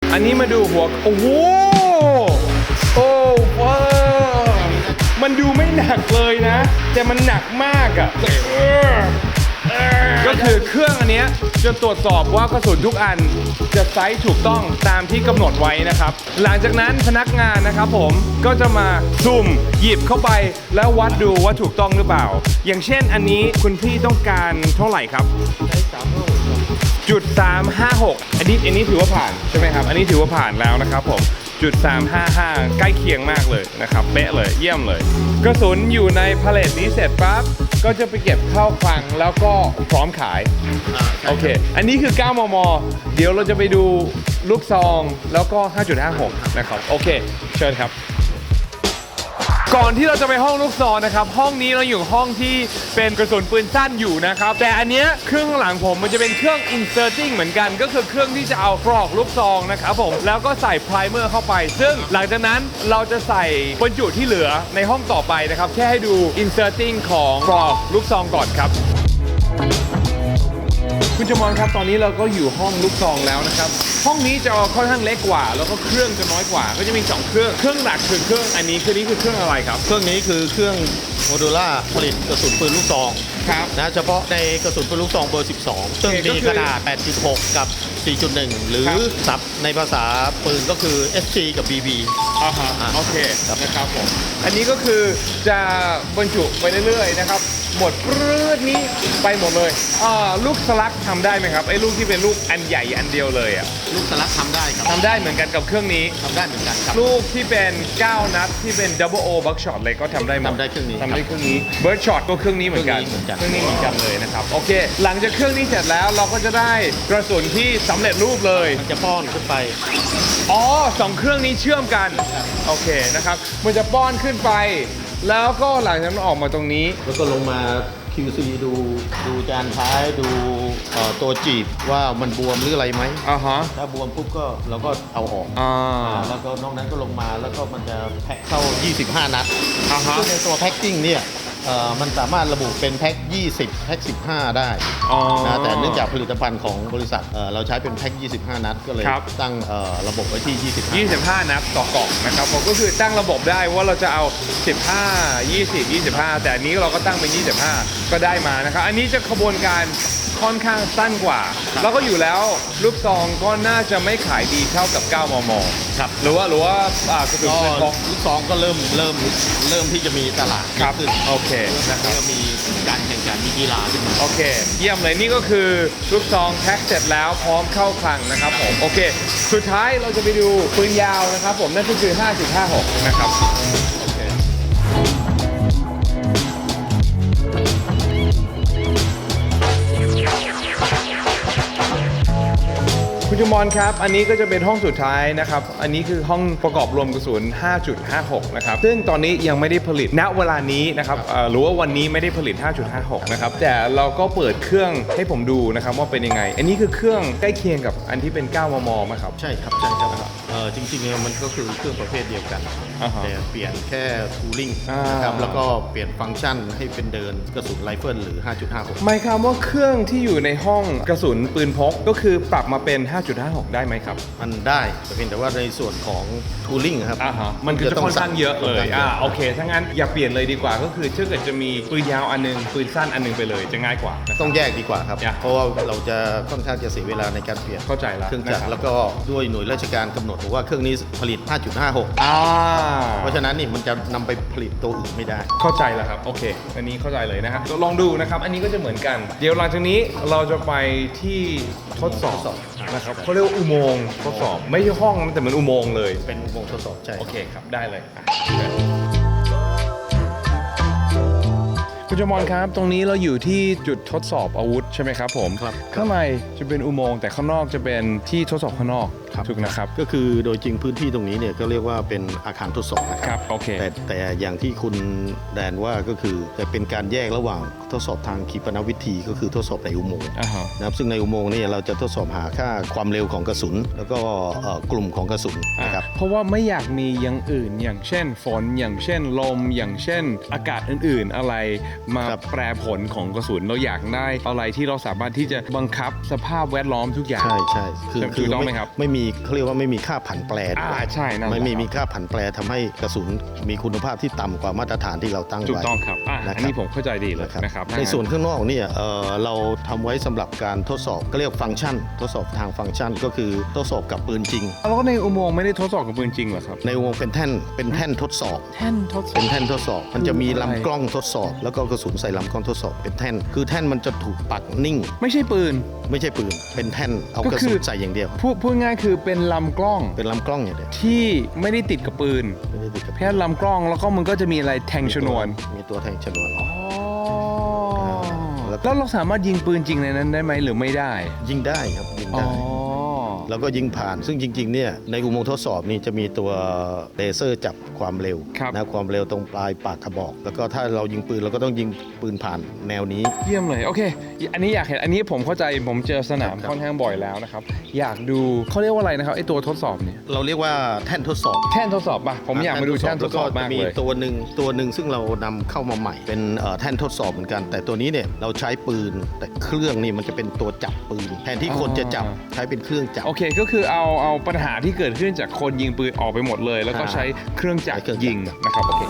อันนี้มาดูหัวโอ้โหโอ้ว้าวมันดูไม่หนักเลยนะแต่มันหนักมากอ่ะก็คือเครื่องอันเนี้ยจะตรวจสอบว่ากระสุนทุกอันจะไซส์ถูกต้องตามที่กำหนดไว้นะครับหลังจากนั้นพนักงานนะครับผมก็จะมาซุ่มหยิบเข้าไปแล้ววัดดูว่าถูกต้องหรือเปล่าอย่างเช่นอันนี้คุณพี่ต้องการเท่าไหร่ครับจุด356อันนี้ถือว่าผ่านใช่ไหมครับอันนี้ถือว่าผ่านแล้วนะครับผมจุด355ใกล้เคียงมากเลยนะครับเป๊ะเลยเยี่ยมเลยกระสุนอยู่ในพาเลทนี้เสร็จปั๊บก็จะไปเก็บเข้าคลังแล้วก็พร้อมขายโอเคอันนี้คือ9 มม.เดี๋ยวเราจะไปดูลูกซองแล้วก็ 5.56 นะครับโอเคเชิญครับก่อนที่เราจะไปห้องลูกซองนะครับห้องนี้เราอยู่ห้องที่เป็นกระสุนปืนสั้นอยู่นะครับแต่อันเนี้ยเครื่องข้างหลังผมมันจะเป็นเครื่อง inserting เหมือนกันก็คือเครื่องที่จะเอากรอกลูกซองนะครับผมแล้วก็ใส่ไพรเมอร์เข้าไปซึ่งหลังจากนั้นเราจะใส่บรรจุที่เหลือในห้องต่อไปนะครับแค่ให้ดู inserting ของกรอกลูกซองก่อนครับคุณจมอนครับตอนนี้เราก็อยู่ห้องลูกซองแล้วนะครับห้องนี้จะค่อนข้างเล็กกว่าแล้วก็เครื่องจะน้อยกว่าก็จะมี2เครื่องหลักคือเครื่องอันนี้คือเครื่องอะไรครับเครื่องนี้คือเครื่องโมดูล่าผลิตกระสุนปืนลูกซองครับนะเฉพาะในกระสุนปืนลูกซองเบอร์ 12ซึ่งมีขนาด 8.6 กับ 4.1 หรือศัพท์ในภาษาปืนก็คือ SC กับ BB โอเคนะครับผมอันนี้ก็คือจะบรรจุไปเรื่อยๆนะครับหมดปรื้ดนี้ไปหมดเลยลูกสลักทำได้ไหมครับไอ้ลูกที่เป็นลูกอันใหญ่อันเดียวเลยอ่ะลูกสลักทำได้ครับทำได้เหมือนกันกับเครื่องนี้ทำได้เหมือนกันครับลูกที่เป็น9 นัดที่เป็น Double O Buckshot เลยก็ทำได้หมดทำได้เครื่องนี้ Bird Shot ก็เครื่องนี้เหมือนกันเครื่องนี้เหมือนกันเลยนะครับโอเคหลังจากเครื่องนี้เสร็จแล้วเราก็จะได้กระสุนที่สำเร็จรูปเลยมันจะป้อนขึ้นไป 2เครื่องนี้เชื่อมกันโอเคนะครับมันจะป้อนขึ้นไปแล้วก็หลังจากนั้นออกมาตรงนี้แล้วก็ลงมา QC ดูจานท้ายดูตัวจีบว่ามันบวมหรืออะไรไหมถ้าบวมปุ๊บก็เราก็เอาออกแล้วก็นอกนั้นก็ลงมาแล้วก็มันจะแพ็คเข้า25 นัดซึ่งในตัวแพ็คกิ้งเนี่ยมันสามารถระบุเป็นแพ็ค20แพ็ค15ได้นะแต่เนื่องจากผลิตภัณฑ์ของบริษัทเราใช้เป็นแพ็ค25 นัดก็เลยตั้งระบบไว้ที่ 25 นัดต่อกล่องนะครับผมก็คือตั้งระบบได้ว่าเราจะเอา15 20 25แต่อันนี้เราก็ตั้งเป็น25ก็ได้มานะครับอันนี้จะขบวนการค่อนข้างสั้นกว่าแล้วก็อยู่แล้วลูกซองก็น่าจะไม่ขายดีเท่ากับ9 มม. ครับหรือว่ากระสุนปืนพกลูกซองก็เริ่มที่จะมีตลาดขึ้นโอเคนะครับมีการแข่งขันมีกีฬาขึ้นมาโอเคเยี่ยมเลยนี่ก็คือลูกซองแพ็คเสร็จแล้วพร้อมเข้าคลังนะครับผมโอเคสุดท้ายเราจะไปดูปืนยาวนะครับผมนั่นก็คือ 5.56 นะครับคุณจมอนครับอันนี้ก็จะเป็นห้องสุดท้ายนะครับอันนี้คือห้องประกอบรวมกระสุน 5.56 นะครับซึ่งตอนนี้ยังไม่ได้ผลิตณเวลานี้นะครับหรือว่าวันนี้ไม่ได้ผลิต 5.56 นะครับแต่เราก็เปิดเครื่องให้ผมดูนะครับว่าเป็นยังไงอันนี้คือเครื่องใกล้เคียงกับอันที่เป็น9 มม.ไหมครับใช่ครับจริงๆมันก็คือเครื่องประเภทเดียวกันแต่เปลี่ยนแค่ทูลิ่งนะครับแล้วก็เปลี่ยนฟังก์ชันให้เป็นเดินกระสุนไรเฟิลหรือ 5.56 หมายความว่าเครื่องที่อยู่ในห้องกระสุนปืนพกก็คือปรับมาเป็น 5.56 ได้ไหมครับมันได้แต่เพียงแต่ว่าในส่วนของทูลิ่งครับมันคือจะค่อนข้างเยอะเลยโอเคถ้างั้นอย่าเปลี่ยนเลยดีกว่าก็คือถ้าเกิดจะมีปืนยาวอันนึงปืนสั้นอันนึงไปเลยจะง่ายกว่าต้องแยกดีกว่าครับเพราะว่าเราจะค่อนข้างจะเสียเวลาในการเปลี่ยนเข้าใจแล้วเครื่องจักรแล้วก็ด้วยหน่วยราชการกำหนดว่าเครื่องนี้ผลิต 5.56 เพราะฉะนั้นนี่มันจะนำไปผลิตตัวอื่นไม่ได้เข้าใจแล้วครับโอเคอันนี้เข้าใจเลยนะครับลองดูนะครับอันนี้ก็จะเหมือนกันเดี๋ยวหลังจากนี้เราจะไปที่ทดสอบนะครับเขาเรียกว่าอุโมงค์ทดสอบไม่ใช่ห้องแต่เหมือนอุโมงค์เลยเป็นอุโมงค์ทดสอบใช่โอเคครับได้เลยคุณจมอนครับตรงนี้เราอยู่ที่จุดทดสอบอาวุธใช่ไหมครับผมครับข้างในจะเป็นอุโมงค์แต่ข้างนอกจะเป็นที่ทดสอบข้างนอกถูกนะครับก็คือโดยจริงพื้นที่ตรงนี้เนี่ยก็เรียกว่าเป็นอาคารทดสอบนะครับโอเคแต่อย่างที่คุณแดนว่าก็คือแต่เป็นการแยกระหว่างทดสอบทางขีปนาวิธีก็คือทดสอบในอุโมงค์นะครับซึ่งในอุโมงค์นี่เราจะทดสอบหาค่าความเร็วของกระสุนแล้วก็กลุ่มของกระสุนนะครับเพราะว่าไม่อยากมีอย่างอื่นอย่างเช่นฝนอย่างเช่นลมอย่างเช่นอากาศอื่นๆอะไรมาแปรผลของกระสุนเราอยากได้อะไรที่เราสามารถที่จะบังคับสภาพแวดล้อมทุกอย่างใช่คือต้องไหมครับไม่มีมีเขาเรียกว่าไม่มีค่าผันแปรใช่นั่นแหละไม่มีค่าผันแปรทำให้กระสุนมีคุณภาพที่ต่ำกว่ามาตรฐานที่เราตั้งไว้ถูกต้องครับนะครับอันนี้ผมเข้าใจดีเลยนะครับในส่วนข้างนอกเนี่ยเราทำไว้สำหรับการทดสอบก็เรียกฟังก์ชัน ทดสอบทางฟังก์ชันก็คือทดสอบกับปืนจริงแล้วก็ในอุโมงค์ไม่ได้ทดสอบกับปืนจริงเหรอครับในวงเป็นแท่นทดสอบแท่นทดสอบเป็นแท่นทดสอบ มันจะมีอะไรลำกล้องทดสอบ แล้วก็กระสุนใส่ลำกล้องทดสอบเป็นแท่น คือแท่นมันจะถูกปักนิ่งไม่ใช่ปืนไม่ใช่ปืน เป็นแท่นเอาก็กระคืสุอนใส่อย่างเดียวพูดง่ายคือเป็นลำกล้องเป็นลำกล้องอย่างเดียวที่ไม่ได้ติดกับปืนไม่ได้ติดกับแค่ลำกล้องแล้วก็มันก็จะมีอะไรแทงชนวนมีตัวแทงชนวนแล้วเราสามารถยิงปืนจริงในนั้นได้ไหมหรือไม่ได้ยิงได้ครับยิงอ๋อได้ แล้วก็ยิงผ่าน ซึ่งจริงๆเนี่ยในอุโมงค์ทดสอบนี่จะมีตัวเลเซอร์จับความเร็วครับนะความเร็วตรงปลายปากกระบอก แล้วก็ถ้าเรายิงปืนเราก็ต้องยิงปืนผ่านแนวนี้เยี่ยมเลยโอเค อันนี้อยากเห็นอันนี้ผมเข้าใจผมเจอสนามครับค่อนข้างบ่อยแล้วนะครับอยากดูเขาเรียกว่าอะไรนะครับไอตัวทดสอบเนี่ยเราเรียกว่าแท่นทดสอบแท่นทดสอบป่ะผมอยากมาดูแท่นทดสอบมากมีเลยตัวหนึ่งซึ่งเรานำเข้ามาใหม่เป็นแท่นทดสอบเหมือนกัน แต่ตัวนี้เนี่ยเราใช้ปืนแต่เครื่องนี่มันจะเป็นตัวจับปืนแทนที่คนจะจับใช้เป็นเครื่องจับโอเคก็คือเอาปัญหาที่เกิดขึ้นจากคนยิงปืนออกไปหมดเลย แล้วก็ใช้เครื่องจักรใช้เครื่องจักรยิงนะครับโอเค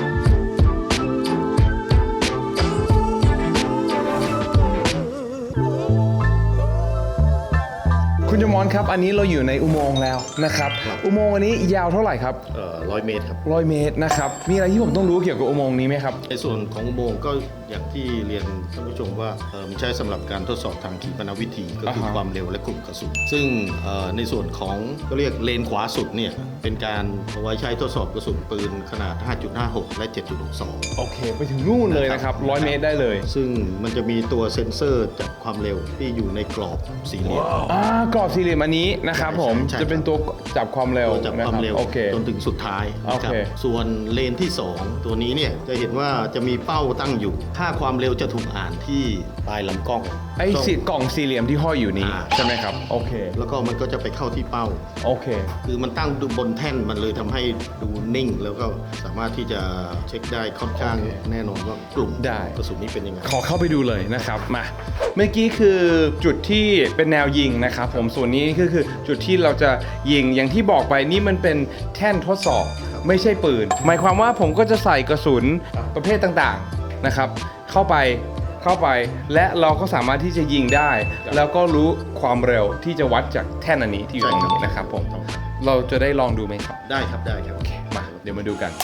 คุณจมอนครับอันนี้เราอยู่ในอุโมงค์แล้วนะครับอุโมงค์อันนี้ยาวเท่าไหร่ครับ 100 เมตรครับ 100 เมตรนะครับมีอะไรที่ผมต้องรู้เกี่ยวกับอุโมงค์นี้ไหมครับในส่วนของอุโมงค์ก็อย่างที่เรียนท่านผู้ชมว่ามันใช้สำหรับการทดสอบทางขีปนาวิธีก็คืออ่าฮะความเร็วและกลุ่มกระสุนซึ่งในส่วนของก็เรียกเลนขวาสุดเนี่ยเป็นการเอาไว้ใช้ทดสอบกระสุนปืนขนาด 5.56 และ 7.62 โอเคไปถึงนู่นเลยนะครับ100 เมตรได้เลยซึ่งมันจะมีตัวเซ็นเซอร์จับความเร็วที่อยู่ในกรอบสี่เหลี่ยมกรอบสี่เหลี่ยมอันนี้นะครับผมใช่จะเป็นตัวจับความเร็วตัวจับความเร็วนะบโอเคจนถึงสุดท้ายนะครับโอเคส่วนเลนที่ 2 ตัวนี้เนี่ยจะเห็นว่าจะมีเป้าตั้งอยู่ค่าความเร็วจะถูกอ่านที่ปลายลำกล้องไอ้กล่องสี่เหลี่ยมที่ห้อยอยู่นี้ใช่ไหมครับโอเคแล้วก็มันก็จะไปเข้าที่เป้าโอเคคือมันตั้งบนแท่นมันเลยทำให้ดูนิ่ง แล้วก็สามารถที่จะเช็คได้ค่อนข้างแน่นอนว่ากลุ่มได้กระสุนนี้เป็นยังไงขอเข้าไปดูเลยนะครับมาเมื่อกี้คือจุดที่เป็นแนวยิงนะครับผมส่วนนี้ก็คือจุดที่เราจะยิงอย่างที่บอกไปนี่มันเป็นแท่นทดสอบไม่ใช่ปืน หมายความว่าผมก็จะใส่กระสุนประเภทต่างๆนะครับเข้าไปและเราก็สามารถที่จะยิงได้ แล้วก็รู้ความเร็วที่จะวัดจากแท่นอันนี้ที่อยู่ตรงนี้นะครับผมเราจะได้ลองดูไหมครับได้ครับได้ครับมาเดี๋ยวมาดูกัน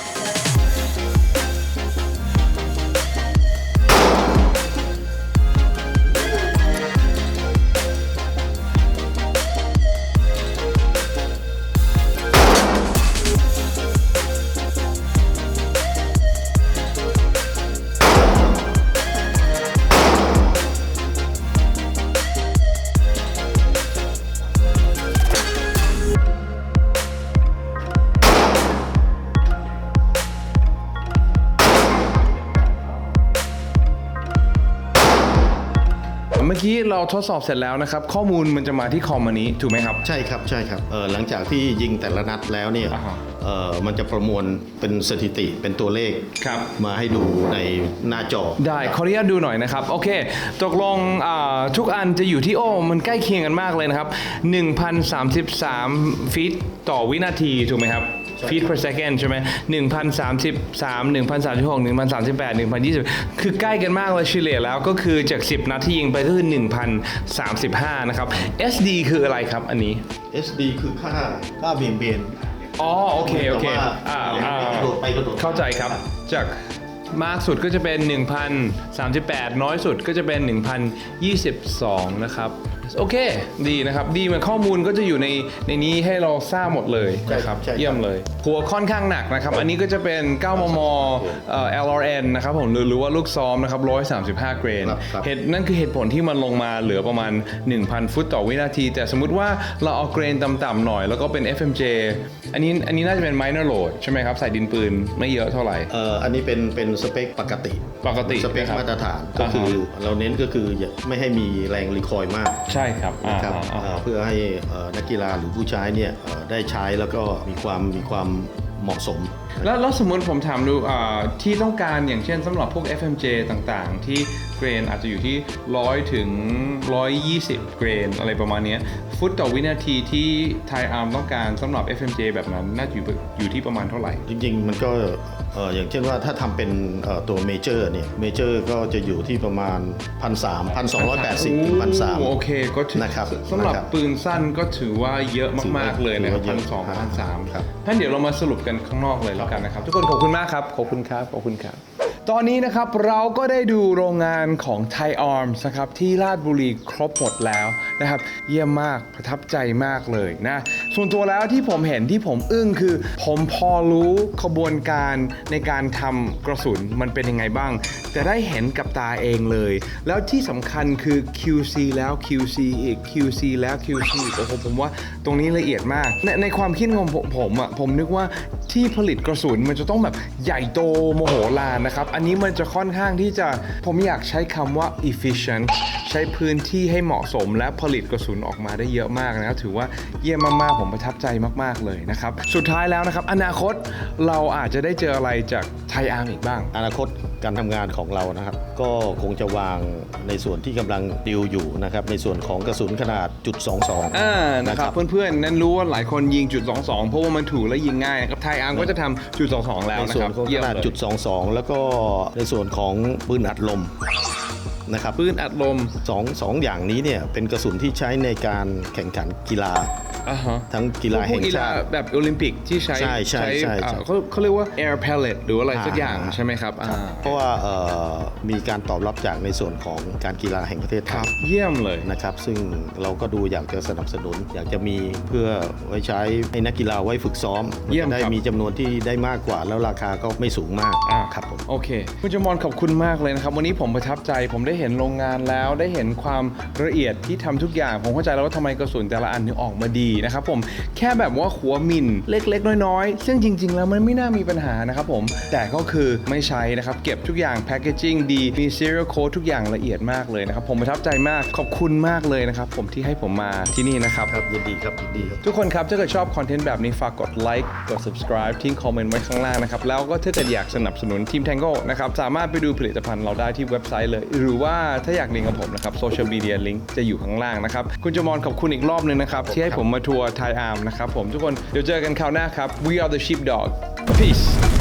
เมื่อกี้เราทดสอบเสร็จแล้วนะครับข้อมูลมันจะมาที่คอมอันนี้ถูกไหมครับใช่ครับใช่ครับหลังจากที่ยิงแต่ละนัดแล้วเนี่ยอ่าฮะมันจะประมวลเป็นสถิติเป็นตัวเลขครับมาให้ดูในหน้าจอได้ขออนุญาตดูหน่อยนะครับโอเคตกลงทุกอันจะอยู่ที่มันใกล้เคียงกันมากเลยนะครับ 1,033 ฟีตต่อวินาทีถูกไหมครับฟีต per second ใช่ไหม1,033 1,036 1,038 1,020 คือใกล้กันมากเลยเฉลี่ยแล้วก็คือจาก 10 นัดที่ยิงไปก็คือ 1,035 นะครับ SD คืออะไรครับอันนี้ SD คือค่าเบี่ยง อ๋อโอเคโอเคแต่ว่า กระโดดไปกระโดดมาเข้าใจครับจากมากสุดก็จะเป็น 1,038 น้อยสุดก็จะเป็น 1,022 นะครับโอเคดีนะครับดีมันข้อมูลก็จะอยู่ในนี้ให้เราทราบหมดเลยนะครับใช่ครับเยี่ยมเลยหัวค่อนข้างหนักนะครับอันนี้ก็จะเป็น 9 มม LRN นะครับผมหรือว่าลูกซ้อมนะครับ135 เกรนครับนั่นคือเหตุผลที่มันลงมาเหลือประมาณ 1,000 ฟุตต่อวินาที แต่สมมุติว่าเราเอาเกรนต่ำๆหน่อยแล้วก็เป็น FMJ อันนี้น่าจะเป็น minor load ใช่ไหมครับใส่ดินปืนไม่เยอะเท่าไหร่อันนี้เป็นสเปคปกติ สเปคนะครับมาตรฐานก็คือเราเน้นก็คืออย่าไม่ให้มีแรงรีคอยล์มากใช่ครับนะครับเพื่อให้นักกีฬาหรือผู้ใช้เนี่ยได้ใช้แล้วก็มีความเหมาะสมแล้วสมมติผมถามดูที่ต้องการอย่างเช่นสำหรับพวก FMJ ต่างๆ ที่เกรนอาจจะอยู่ที่100 ถึง 120 เกรนอะไรประมาณเนี้ยฟุตต่อวินาทีที่ไทยอาร์มต้องการสำหรับ FMJ แบบนั้นน่าจะอยู่ที่ประมาณเท่าไหร่จริงๆมันก็อย่างเช่นว่าถ้าทำเป็นตัวเมเจอร์เนี่ยเมเจอร์ก็จะอยู่ที่ประมาณ 1,300 1,280 ถึง 1,300 โอเคก็ถือนะครับสำหรับนะครับปืนสั้นก็ถือว่าเยอะมากๆเลยนะครับถือว่าเยอะ 1,200 1,300 ครับท่านเดี๋ยวเรามาสรุปกันข้างนอกเลยแล้วกันนะครับ ทุกคนขอบคุณมากครับขอบคุณครับขอบคุณครับ ตอนนี้นะครับเราก็ได้ดูโรงงานของ Thai Arms นะครับที่ราชบุรีครบหมดแล้วนะครับเยี่ยมมากประทับใจมากเลยนะส่วนตัวแล้วที่ผมเห็นที่ผมอึ้งคือผมพอรู้ขบวนการในการทำกระสุนมันเป็นยังไงบ้างแต่ได้เห็นกับตาเองเลยแล้วที่สำคัญคือ QC แล้ว QC อีก QC แล้ว QC อีกโอ้โหผมว่าตรงนี้ละเอียดมากในความคิดของผมอ่ะผมนึกว่าที่ผลิตกระสุนมันจะต้องแบบใหญ่โตโมโหลานนะครับอันนี้มันจะค่อนข้างที่จะผมอยากใช้คำว่า efficient ใช้พื้นที่ให้เหมาะสมและผลิตกระสุนออกมาได้เยอะมากนะครับถือว่าเยี่ยมมากๆผมประทับใจมากๆเลยนะครับสุดท้ายแล้วนะครับอนาคตเราอาจจะได้เจออะไรจากไทยอาร์มอีกบ้างอนาคตการทำงานของเรานะครับก็คงจะวางในส่วนที่กำลังดิวอยู่นะครับในส่วนของกระสุนขนาด.22 นะครับเพื่อนๆนั้นรู้ว่าหลายคนยิง.22เพราะว่ามันถูกและยิงง่ายครับไทยอาร์มก็จะทำ.22แล้วในนะส่ควนรับของขนาด.22แล้วก็ในส่วนของปืนอัดลมนะครับปืนอัดลมสองอย่างนี้เนี่ยเป็นกระสุนที่ใช้ในการแข่งขันกีฬา ทั้งกีฬาแห่งชาติแบบโอลิมปิกที่ใช้ใช่เขาเรียกว่า air pellet หรืออะไรสักอย่างใช่ไหมครับเพราะว่ามีการตอบรับจากในส่วนของการกีฬาแห่งประเทศไทยเยี่ยมเลยนะครับซึ่งเราก็ดูอยากจะสนับสนุน อยากจะมีเพื่อไว้ใช้ให้นักกีฬาไว้ฝึกซ้อมเยี่ยมได้ครับมีจำนวนที่ได้มากกว่าแล้วราคาก็ไม่สูงมากครับผมโอเคคุณจมอนขอบคุณมากเลยนะครับวันนี้ผมประทับใจผมได้เห็นโรงงานแล้วได้เห็นความละเอียดที่ทำทุกอย่างผมเข้าใจแล้วว่าทำไมกระสุนแต่ละอันถึงออกมาดีนะครับผมแค่แบบว่าหัวมินเล็กๆน้อยๆซึ่งจริงๆแล้วมันไม่น่ามีปัญหานะครับผมแต่ก็คือไม่ใช้นะครับเก็บทุกอย่างแพคเกจิ้งดีมี serial code ทุกอย่างละเอียดมากเลยนะครับผมประทับใจมากขอบคุณมากเลยนะครับผมที่ให้ผมมาที่นี่นะครับครับยินดีครับยินดีครับทุกคนครับถ้าเกิดชอบคอนเทนต์แบบนี้ฝากกดไลค์กด subscribe ทิ้งคอมเมนต์ไว้ข้างล่างนะครับแล้วก็ถ้าเกิดอยากสนับสนุนทีม Tango นะครับสามารถไปดูผลิตภัณฑ์เราได้ที่เว็บไซต์เลยหรือว่าถ้าอยากลิงก์กับผมนะครับโซเชียลมีเดียลิงก์จะอยู่ข้างล่างนะครับคุณจมอนขอบคุณอีกรอบนึงนะครับที่ให้ผมมาทัวร์ไทยอาร์มนะครับผมทุกคนเดี๋ยวเจอกันคราวหน้าครับ We are the sheepdog Peace